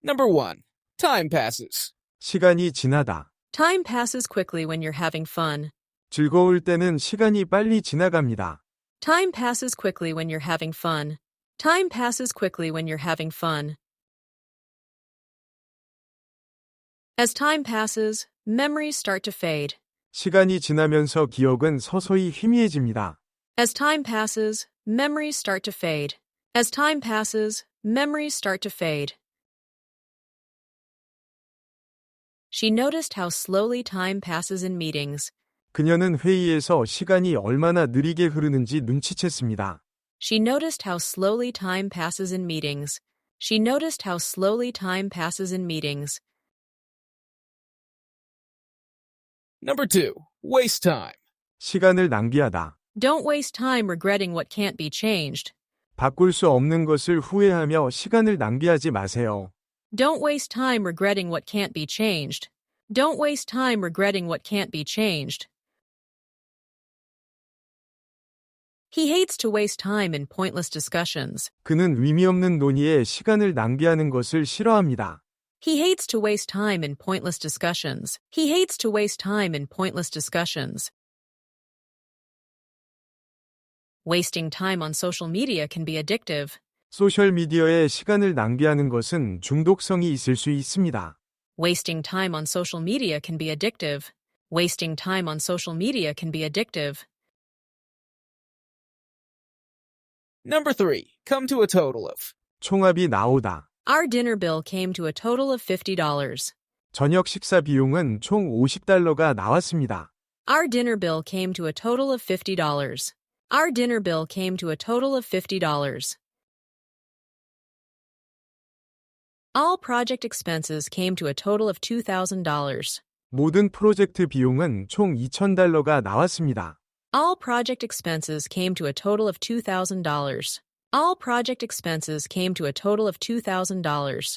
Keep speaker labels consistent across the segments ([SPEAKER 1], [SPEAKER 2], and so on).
[SPEAKER 1] Number 1. Time passes.
[SPEAKER 2] 시간이 지나다.
[SPEAKER 3] Time passes quickly when you're having fun.
[SPEAKER 2] 즐거울 때는 시간이 빨리 지나갑니다.
[SPEAKER 3] Time passes quickly when you're having fun. Time passes quickly when you're having fun. As time passes, memories start to fade.
[SPEAKER 2] 시간이 지나면서 기억은 서서히 희미해집니다.
[SPEAKER 3] As time passes, memories start to fade. As time passes, memories start to fade. She noticed how slowly time passes in meetings.
[SPEAKER 2] 그녀는 회의에서 시간이 얼마나 느리게 흐르는지 눈치챘습니다.
[SPEAKER 3] She noticed how slowly time passes in meetings. She noticed how slowly time passes in meetings.
[SPEAKER 1] Number 2. Waste time.
[SPEAKER 2] 시간을 낭비하다.
[SPEAKER 3] Don't waste time regretting what can't be changed.
[SPEAKER 2] 바꿀 수 없는 것을 후회하며 시간을 낭비하지 마세요.
[SPEAKER 3] Don't waste time regretting what can't be changed. Don't waste time regretting what can't be changed. He hates to waste time in pointless discussions.
[SPEAKER 2] 그는 의미 없는 논의에 시간을 낭비하는 것을 싫어합니다.
[SPEAKER 3] He hates to waste time in pointless discussions. He hates to waste time in pointless discussions. Wasting time on social media can be addictive.
[SPEAKER 2] 소셜미디어에 시간을 낭비하는 것은 중독성이 있을 수 있습니다.
[SPEAKER 3] Wasting time on social media can be addictive. Wasting time on social media can be addictive.
[SPEAKER 1] Number 3. Come to a total of.
[SPEAKER 2] 총합이 나오다.
[SPEAKER 3] Our dinner bill came to a total of $50.
[SPEAKER 2] 저녁 식사 비용은 총 $50가 나왔습니다.
[SPEAKER 3] Our dinner bill came to a total of $50. Our dinner bill came to a total of $50. All project expenses came to a total of $2,000.
[SPEAKER 2] 모든 프로젝트 비용은 총 $2,000가 나왔습니다.
[SPEAKER 3] All project expenses came to a total of $2,000. All project expenses came to a total of $2,000.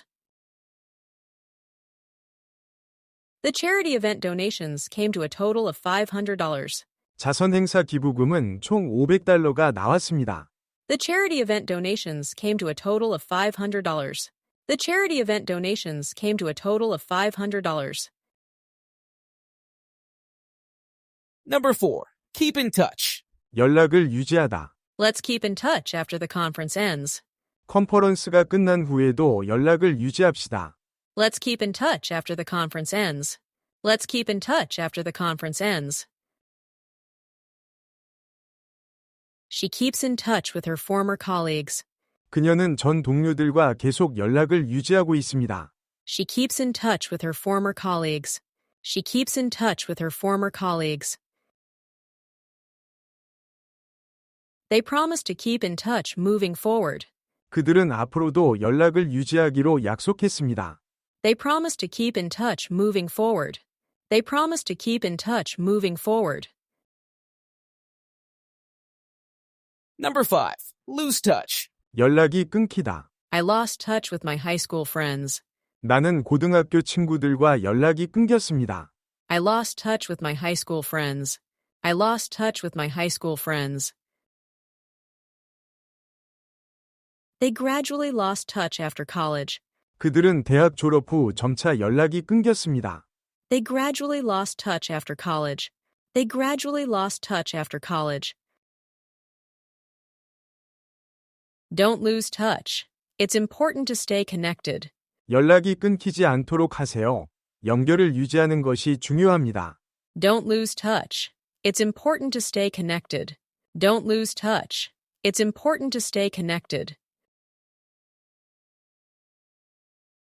[SPEAKER 3] The charity event donations came to a total of $500.
[SPEAKER 2] 자선행사 기부금은 총 $500가 나왔습니다.
[SPEAKER 3] The charity event donations came to a total of $500. The charity event donations came to a total of $500.
[SPEAKER 1] Number 4. Keep in touch.
[SPEAKER 2] 연락을 유지하다.
[SPEAKER 3] Let's keep in touch after the conference ends.
[SPEAKER 2] 컨퍼런스가 끝난 후에도 연락을 유지합시다.
[SPEAKER 3] Let's keep in touch after the conference ends. Let's keep in touch after the conference ends. She keeps in touch with her former colleagues.
[SPEAKER 2] 그녀는 전 동료들과 계속 연락을 유지하고 있습니다.
[SPEAKER 3] She keeps in touch with her former colleagues. She keeps in touch with her former colleagues. They promise to keep in touch moving forward.
[SPEAKER 2] 그들은 앞으로도 연락을 유지하기로 약속했습니다.
[SPEAKER 3] They promise to keep in touch moving forward. They promise to keep in touch moving forward.
[SPEAKER 1] Number 5. Lose touch.
[SPEAKER 2] 연락이 끊기다.
[SPEAKER 3] I lost touch with my high school friends.
[SPEAKER 2] 나는 고등학교 친구들과 연락이 끊겼습니다.
[SPEAKER 3] I lost touch with my high school friends. I lost touch with my high school friends. They gradually lost touch after college.
[SPEAKER 2] 그들은 대학 졸업 후 점차 연락이 끊겼습니다.
[SPEAKER 3] They gradually lost touch after college. They gradually lost touch after college. Don't lose touch. It's important to stay connected.
[SPEAKER 2] 연락이 끊기지 않도록 하세요. 연결을 유지하는 것이 중요합니다.
[SPEAKER 3] Don't lose touch. It's important to stay connected. Don't lose touch. It's important to stay connected.